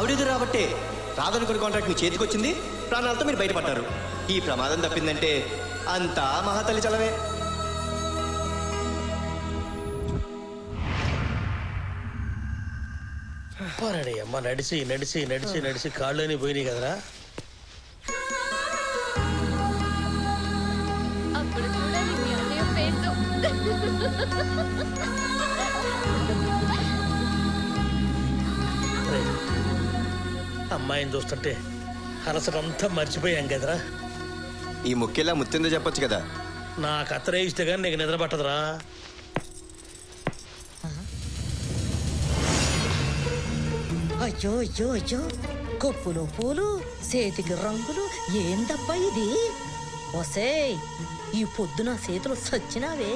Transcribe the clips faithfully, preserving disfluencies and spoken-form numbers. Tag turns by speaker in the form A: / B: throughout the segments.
A: ఆవిడెదురు రాబట్టే రాదనుకున్న కాంట్రాక్ట్ మీ చేతికి వచ్చింది, ప్రాణాలతో మీరు బయటపడ్డారు. ఈ ప్రమాదం తప్పిందంటే అంతా మహాతల్లి చలవే.
B: పోరాడి అమ్మ, నడిచి నడిచి నడిచి నడిచి కాళ్ళని పోయినాయి కదరా. అమ్మాయిని చూస్తుంటే అలసటంతా మర్చిపోయాం కదరా.
A: ఈ ముఖ్యలా ముత్తిందో చెప్పొచ్చు కదా.
B: నాకు అత్తరే ఇస్తే కానీ నీకు నిద్ర పట్టదురా.
C: అయ్యో అయ్యో అయ్యో, కొప్పులు పూలు, చేతికి రంగులు, ఏందబ్బా ఇది? వసే, ఈ పొద్దున చేతులు సచ్చినావే.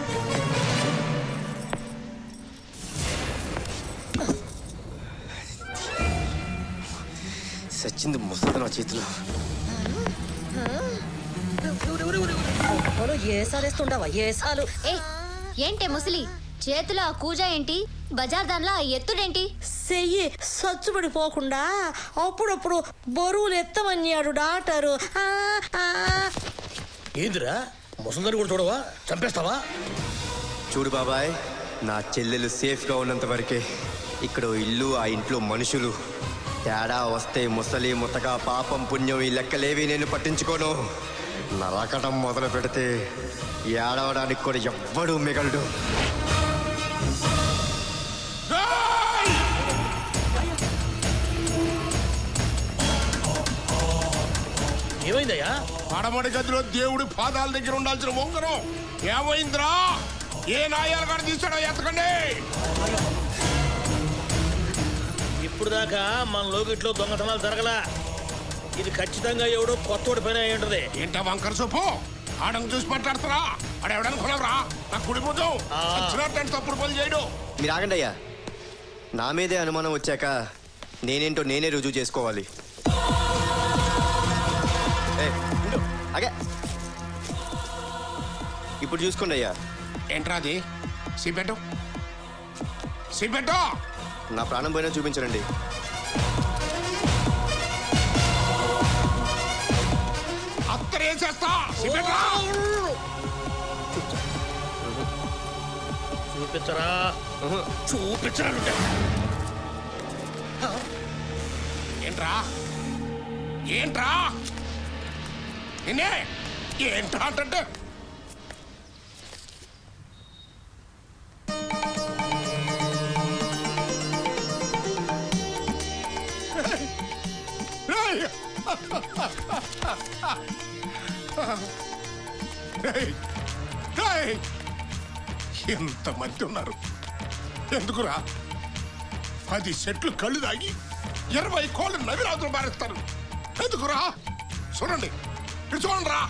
A: సచ్చింది ముసలి నా చేతిలో.
C: ఏసాలేస్తుండవా ఏసాలు?
D: ఏంటే ముసలి చేతిలో ఆ కూజ ఏంటి? బజార్ దానిలో ఆ ఎత్తుడేంటి?
C: చెయ్యి సచ్చుబడిపోకుండా అప్పుడప్పుడు బరువులు ఎత్తమన్నాడు డాక్టరు.
B: ఏందిరా ముసలిదాన్ని కూడా చూడవా? చంపేస్తావా?
A: చూడు బాబాయ్, నా చెల్లెలు సేఫ్గా ఉన్నంత వరకే ఇక్కడ ఇల్లు, ఆ ఇంట్లో మనుషులు. తేడా వస్తే ముసలి ముతక పాపం పుణ్యం ఈ లెక్కలేవి నేను పట్టించుకోను. నరకటం మొదలు పెడితే ఏడవడానికి కూడా ఎవ్వడూ మిగలడు.
B: ఏమైందయ్యా?
E: పడమడి గదిలో దేవుడి పాదాల దగ్గర ఉండాల్సిన ఉంగరం ఏమైందిరా? ఏ నాయాలు కాడ తీసాడో ఎత్తకండి.
B: ఇప్పుడు దాకా మన లోకిట్లో దొంగతనాలు జరగలా. ఇది ఖచ్చితంగా ఎవడో కొత్తోడి పని అయి ఉంటది.
E: ఏంటా వంకర సొప్పు? ఆడను చూసి మాట్లాడతారా? ఆడెవడనుకున్నావురా? నాకు కుడిపోతాం వచ్చినట్టు తప్పుడు పని చేయడు.
A: మీరు ఆగండి అయ్యా. నా మీదే అనుమానం వచ్చాక నేనేంటో నేనే రుజువు చేసుకోవాలి. అగే ఇప్పుడు చూసుకోండి అయ్యా.
E: ఏంట్రా అది? సిబెట్టు సిబెట్టు
A: నా ప్రాణం పోయినా చూపించరండి.
E: అత్తరేసేస్తా.
B: చూపించరా చూపించరా.
E: ఏంట్రా ఏంట్రా నిన్నే ఏంట్రా అంటే ఎంతమంది ఉన్నారు? ఎందుకురా? పది సెట్లు కళ్ళు తాగి ఇరవై కోళ్ళు నవిరాజులు మారేస్తారు. ఎందుకురా? చూడండి, ఇటు చూడండి రా.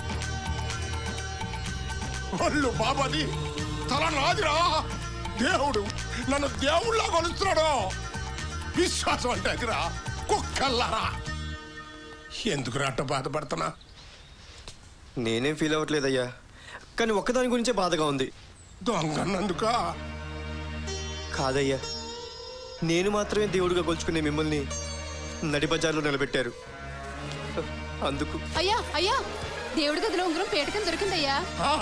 E: ఒళ్ళు బాబాది, తల నాదిరా. దేవుడు నన్ను దేవుళ్ళ కొలుస్తున్నాడు. విశ్వాసం అంటే అదిరా. కుక్కల్లారా, ఎందుకురా అట్ట బాధపడుతున్నా?
A: నేనేం ఫీల్ అవ్వట్లేదయ్యా, కానీ ఒక్కదాని గురించే బాధగా ఉంది.
E: దొంగన్నందుక
A: కాదయ్యా, నేను మాత్రమే దేవుడిగా కొలుచుకునే మిమ్మల్ని నడి బజార్లో నిలబెట్టారు. అందుకు
F: అయ్యా అయ్యా, దేవుడి గదిలో ఉంగరం పేటకం దొరికిందయ్యా.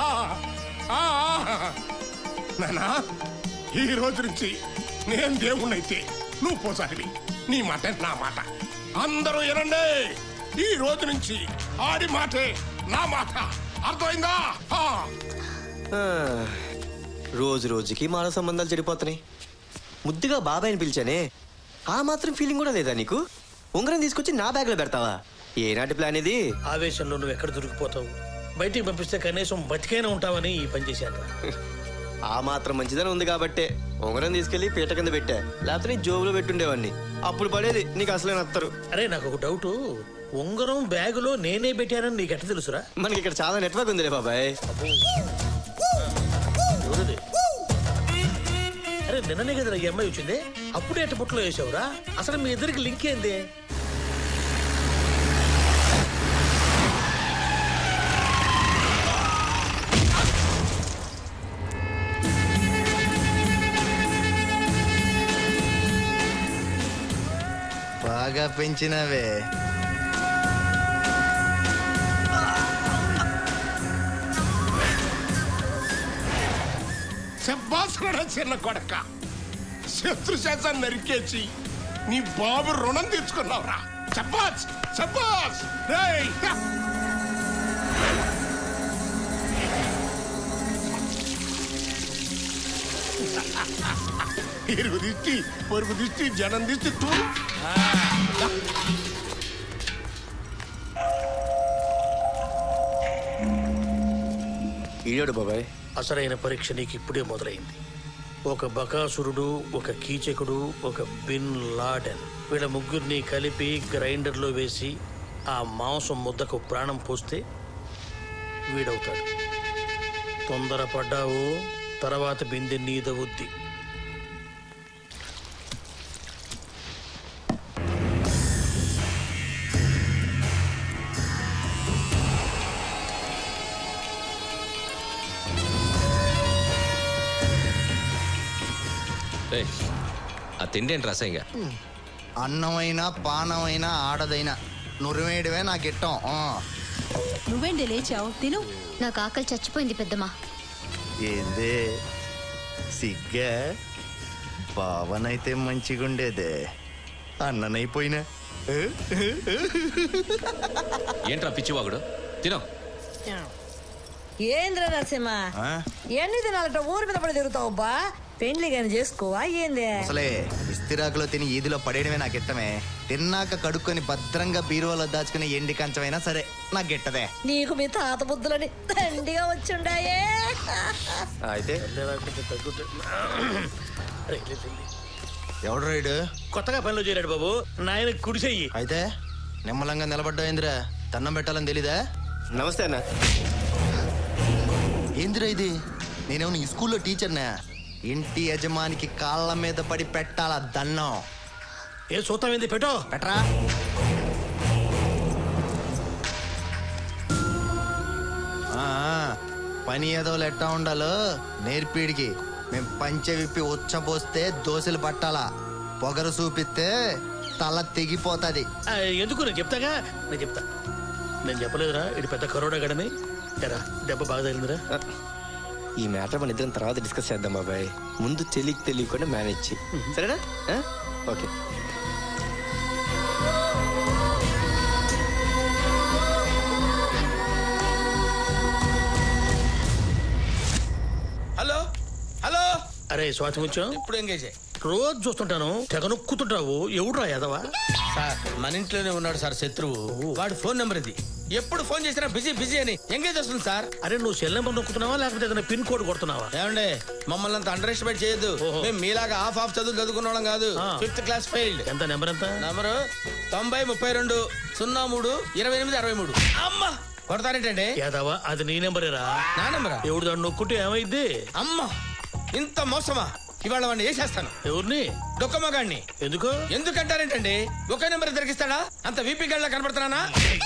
E: నానా, ఈ రోజు నుంచి నేను దేవుణ్ణైతే నువ్వు పోసారివి. నీ మాట నా మాట. అందరూ వినండి, ఈ రోజు నుంచి ఆడి మాటే నా మాట. అర్థమైందా?
A: రోజు రోజుకి మానవ సంబంధాలు చెడిపోతున్నాయి. ముద్దుగా బాబాయ్ని పిలిచానే, ఆ మాత్రం ఫీలింగ్ కూడా లేదా నీకు? ఉంగరం తీసుకొచ్చి నా బ్యాగ్లో పెడతావా? ఏనాటి ప్లాన్ ఇది?
B: ఆవేశంలో నువ్వు ఎక్కడ దొరికిపోతావు? బయటికి పంపిస్తే కనీసం బతికైనా ఉంటావని ఈ పని చేశాను.
A: ఆ మాత్రం మంచిదని ఉంది కాబట్టే ఉంగరం తీసుకెళ్లి పీట కింద పెట్టా. లేకపోతే నీ జోబులో పెట్టుండేవాడిని. అప్పుడు పడేది నీకు అసలే నత్తరు.
B: అరే నాకు ఒక డౌట్, ఉంగరం బ్యాగులో నేనే పెట్టానని నీకు ఎట్లా తెలుసురా?
A: మనకి ఇక్కడ చాలా నెట్వర్క్ ఉందిలే బాబాయ్.
B: ఎవరది? అరే నిన్ననే కదా ఈ అమ్మాయి వచ్చింది, అప్పుడే ఎట్ట పుట్టలో వేసావురా? అసలు మీ ఇద్దరికి లింక్ ఏంది?
G: బాగా పెంచినవే.
E: శబ్బాస్ కూడా చిన్న కొడక, శత్రు శాసాన్ని నరికేసి నీ బాబు రుణం తీర్చుకున్నావురా. శబ్బాస్ శబ్బాస్. రేయ్ ఇరుగు దిష్టి, పొరుగు దిష్టి, జనం దిష్టి తూ.
A: ఈడాడు బాబాయ్.
B: అసలైన పరీక్ష నీకు ఇప్పుడే మొదలైంది. ఒక బకాసురుడు, ఒక కీచకుడు, ఒక బిన్ లాడెన్, వీళ్ళ ముగ్గురిని కలిపి గ్రైండర్లో వేసి ఆ మాంసం ముద్దకు ప్రాణం పోస్తే వీడవుతాడు. తొందరపడ్డావు, తర్వాత బిందె నీదవుద్ది.
H: ఆ తిండి ఏంటి రసంగా?
G: అన్నమైనా పానమైనా ఆడదైనా నురివేయడమే నాకు ఇట్టం.
F: నువ్వేంటి లేచావు? తిను.
D: నాకు ఆకలి చచ్చిపోయింది పెద్దమ్మా.
G: ఏందే సిగ్గా? బావనైతే మంచిగుండేదే, అన్ననైపోయినా.
H: ఏంట్రా పిచ్చివాగుడు? తినో.
C: ఏంద్ర నరసింహ, ఎన్ని దినాలట ఊరి మీద పడి తిరుగుతావు బా? పెండ్లి గాని చేసుకోవా ఏంది?
G: అసలే ఇస్తిరాకులో తిని ఈదిలో పడేయడమే నాకు ఇట్టమే. తిన్నాక కడుక్కొని భద్రంగా బీరువాలో దాచుకుని ఎండి కంచమైనా సరే నాకు గిట్టదే.
C: నీకు మీ తాత బుద్ధులని దండిగా వచ్చుండాయే.
A: అయితే
G: ఎవడు రైడు?
B: కొత్తగా పనిలో చేరాడు బాబు, నాయన కుడిసెయ్యి.
G: అయితే నిమ్మలంగా నిలబడ్డా ఏందిరా? దండం పెట్టాలని తెలీదా?
A: నమస్తే అన్న.
G: ఏందిరా ఇది? నేనేమన్నా ఈ స్కూల్లో టీచర్నా? ఇంటి యజమానికి కాళ్ళ మీద పడి పెట్టాలా దన్నం?
B: ఏ చూస్తాం ఏంది? పెట్టో.
G: పెట్టరా. ఆ, పని ఏదో ఎట్టా ఉండాలో నేర్పిడికి. మేం పంచె విప్పి ఉచ్చపోస్తే దోశలు పట్టాలా, పొగరు చూపిస్తే తల తెగిపోతుంది.
B: ఆ, ఎందుకు నేను చెప్తాగా, నేను చెప్తా. నేను చెప్పలేదురా ఇది పెద్ద కరోడా గడని. ఎరా దెబ్బ బాగా తగిలిందిరా.
A: ఈ మ్యాటర్ మన ఇద్దరం తర్వాత డిస్కస్ చేద్దాం బాబాయ్. ముందు చెల్లికి తెలియకుండా మేనేజ్ చేయి, సరేనా? ఓకే.
I: Hello hello.
B: అరే స్వాతి ముత్యం,
I: ఇప్పుడు ఎంగేజ్
B: రోజు చూస్తుంటాను తెగ నొక్కుతుంటావు. ఎవడురా యాదవా?
I: సార్ మన ఇంట్లోనే ఉన్నాడు సార్ శత్రువు. వాడు ఫోన్ నెంబర్ ఇది. ఎప్పుడు ఫోన్ చేసినా బిజీ బిజీ అని ఎంగేజ్ వస్తుంది సార్.
B: అరే నువ్వు సెల్ నెంబర్ నొక్కుతున్నావా లేకపోతే ఏదైనా పిన్ కోడ్ కొడుతున్నావా?
I: ఏమండే మమ్మల్ని అంత అండర్ ఎస్టిమేట్ చేయొద్దు. మేము మీలాగా హాఫ్ హాఫ్ చదువు చదువుకున్న వాళ్ళం కాదు. Fifth class failed.
B: ఎంత నెంబర్ ఎంత?
I: నంబరు తొంభై ముప్పై రెండు సున్నా మూడు ఇరవై ఎనిమిది అరవై మూడు. అమ్మా కొడతారేంటండి?
B: యాదవా అది నీ నెంబరేరా?
I: నా నెంబరా?
B: ఎవడు దాన్ని నొక్కుంటే ఏమైద్ది?
I: అమ్మా ఇంత మోసమా? ఇవాళ వాడిని వేసేస్తాను.
B: ఎవరిని?
I: డొక్కమ్మగాడిని.
B: ఎందుకు?
I: ఎందుకంటారేంటండి? ఒకే నెంబర్ దొరికిస్తాడా? అంత వీపీ గడ్లా కనపడుతున్నానా?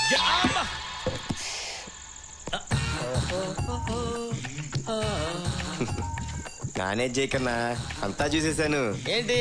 A: మేనేజ్ చేయకన్నా, అంతా చూసేసాను.
I: ఏంటి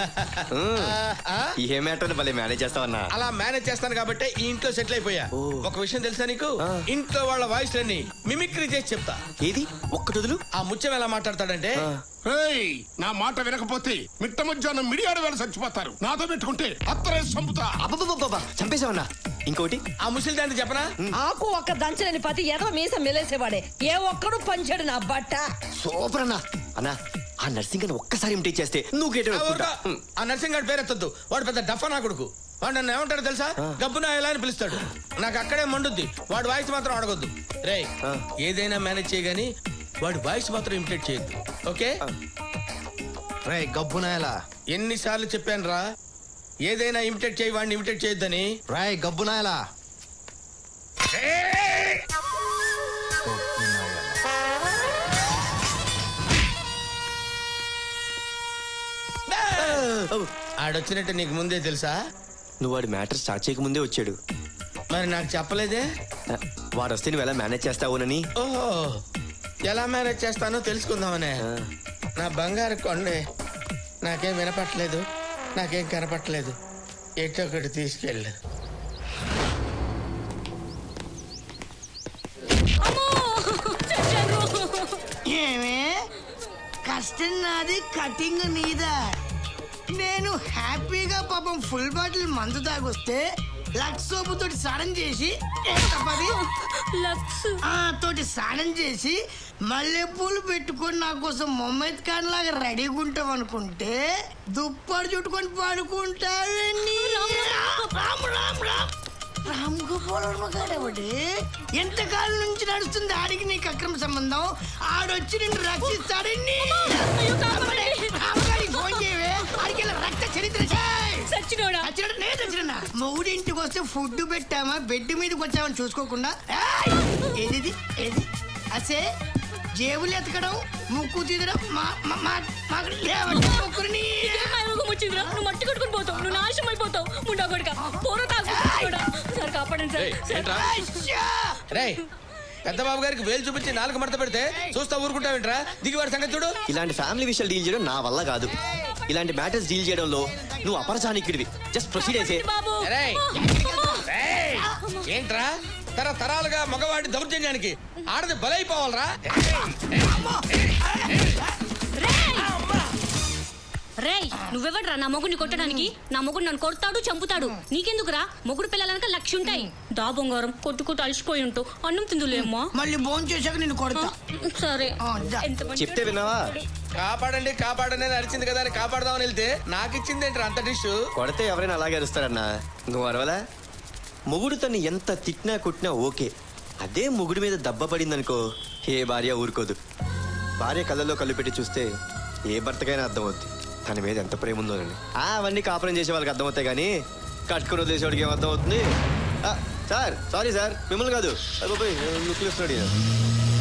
A: ఈ ఏ మ్యాటర్ భలే మేనేజ్ చేస్తావన్నా?
I: అలా మేనేజ్ చేస్తాను కాబట్టి ఈ ఇంట్లో సెటిల్ అయిపోయా. ఒక విషయం తెలుసా నీకు? ఇంట్లో వాళ్ళ వాయిస్ లన్నీ మిమిక్రీ చేసి చెప్తా.
A: ఏది ఒక్కటి వదులు.
I: ఆ ముత్యం ఎలా మాట్లాడతాడంటే,
E: ఏయ్, నా మాట వినకపోతే మిట్ట మధ్యాహ్నం మిడియాడు వేళ చచ్చిపోతారు. నాతో పెట్టుకుంటే అత్తరే చంపుతా.
A: అబ్బబ్బబ్బబ్బా, చంపేశావన్నా. ఇంకోటి
I: ఆ ముసలి దాన్ని చెప్పనా?
C: ఆకు ఒక్క దంచలేని పతి ఏదో మీసం మెలేసేవాడే. ఏ ఒక్కడు పంచాడు నా బట్ట.
A: సూపర్ అన్నా. అన్నా ఆ నర్సింగ్ అని ఒక్కసారి ఇమిటేట్ చేస్తే నువ్వు గేట్
I: ఆ ఊరుకో. ఆ నర్సింగ్ గారి పేరెత్తద్దు. వాడు పెద్ద డఫా నా కొడుకు. వాడు నన్ను ఏమంటాడు తెలుసా? గబ్బున ఎలా అని పిలుస్తాడు. నాకు అక్కడే మండుద్ది. వాడు వాయిస్ మాత్రం అడగొద్దు. రేయ్ ఏదైనా మేనేజ్ చేయగాని వాడి వాయిస్ మాత్రం ఇమిటేట్ చేయొద్దు. ఓకే?
G: రే గబ్బునాయలా,
I: ఎన్నిసార్లు చెప్పాను రా ఏదైనా ఇమిటేట్ చేయి, వాడిని ఇమిటేట్ చేయొద్దని.
G: రాయ్ గబ్బునాయలా.
I: ఆడొచ్చినట్టు నీకు ముందే తెలుసా?
A: నువ్వు వాడి మ్యాటర్ స్టార్ట్ చేయక ముందే వచ్చాడు.
I: మరి నాకు చెప్పలేదే?
A: వాడు వస్తే నువ్వు ఎలా మేనేజ్ చేస్తావునని.
I: ఓహో, ఎలా మేనేజ్ చేస్తానో తెలుసుకుందామనే. నా బంగారు కొండే, నాకేం వినపట్లేదు, నాకేం కనపట్లేదు. ఎటు ఒకటి తీసుకెళ్ళు.
J: ఏమే కష్టం నాది కటింగ్ నీదా. నేను హ్యాపీగా పాపం ఫుల్ బాటిల్ మందు తాగొస్తే లక్స్ సోపు తోటి స్నానం చేసి ఆ తోటి స్నానం చేసి మల్లెపూలు పెట్టుకొని నా కోసం మొహమ్మద్ ఖాన్ లాగా రెడీగా ఉంటాం అనుకుంటే దుప్పటి చుట్టుకొని పడుకుంటావని. రామ్ రామ్ రామ్ రామ్ గోపాలటి ఎంతకాలం నుంచి నడుస్తుంది ఆడికి నీకు అక్రమ సంబంధం. ఆడొచ్చి నిన్ను రక్షిస్తాడని ఫోన్ చేయవే. ఆడికి రక్త చరిత్ర మొగుడి ఇంటికి వస్తే ఫుడ్ పెట్టామా బెడ్ మీదకి వచ్చామని చూసుకోకుండా ఏది ఏది అసే జేబులు ఎతకడం ముక్కు తీదడం ముక్కుని
F: మట్టి కొట్టుకుని పోతావు, నువ్వు నాశనం అయిపోతావు. ముండా కొడుక పూర సార్ కాపాడండి సార్.
I: రేయ్ పెద్ద బాబు గారికి వేలు చూపించి నాలుగు మడత పెడితే చూస్తా ఊరుకుంటావేంట్రా? దిగివాడి సంగతి చూడు.
A: ఇలాంటి ఫ్యామిలీ విషయాలు డీల్ చేయడం నా వల్ల కాదు. ఇలాంటి మ్యాటర్స్ డీల్ చేయడంలో నువ్వు అపరచానికిడివి. జస్ట్ ప్రొసీడ్ అయితే.
I: ఏంట్రా తరతరాలుగా మగవాడి దౌర్జన్యానికి ఆడది బలైపోవాలరా?
F: రేయ్ నువ్వెవడ్రా నా మొగుడిని కొట్టడానికి? నా మొగుడు నన్ను కొడతాడు, చంపుతాడు. నీకెందుకురా? మొగుడు పిల్లలనక లక్ష ఉంటాయి. దా బొంగారం కొట్టుకుంటూ అలసిపోయి ఉంటావు. అన్నం తిందులేమ్మా.
J: మళ్ళీ భోజనం చేశాక నిన్ను కొడతా.
F: సరే
A: చెప్తే విన్నావా?
I: కాపాడండి కాపాడండి అని అరిచింది కదా అని కాపాడదామని వెళ్తే నాకు ఇచ్చింది ఏంట్రా అంత డిష్?
A: కొడితే ఎవరైనా అలాగే అరుస్తారన్నా. నువ్వు అరవలా? మొగుడు తను ఎంత తిట్టినా కొట్టినా ఓకే. అదే మొగుడు మీద దెబ్బ పడిందనుకో ఏ భార్య ఊరుకోదు. భార్య కళ్ళల్లో కళ్ళు పెట్టి చూస్తే ఏ భర్తకైనా అర్థమవుద్ది తన మీద ఎంత ప్రేమ ఉందోనండి. అవన్నీ కాపురం చేసే వాళ్ళకి అర్థమవుతాయి కానీ కట్టుకుని వదిలేసేవాడికి ఏమర్థం అవుతుంది? సార్ సారీ సార్, మిమ్మల్ని కాదు. లుక్లు ఇస్తున్నాడు.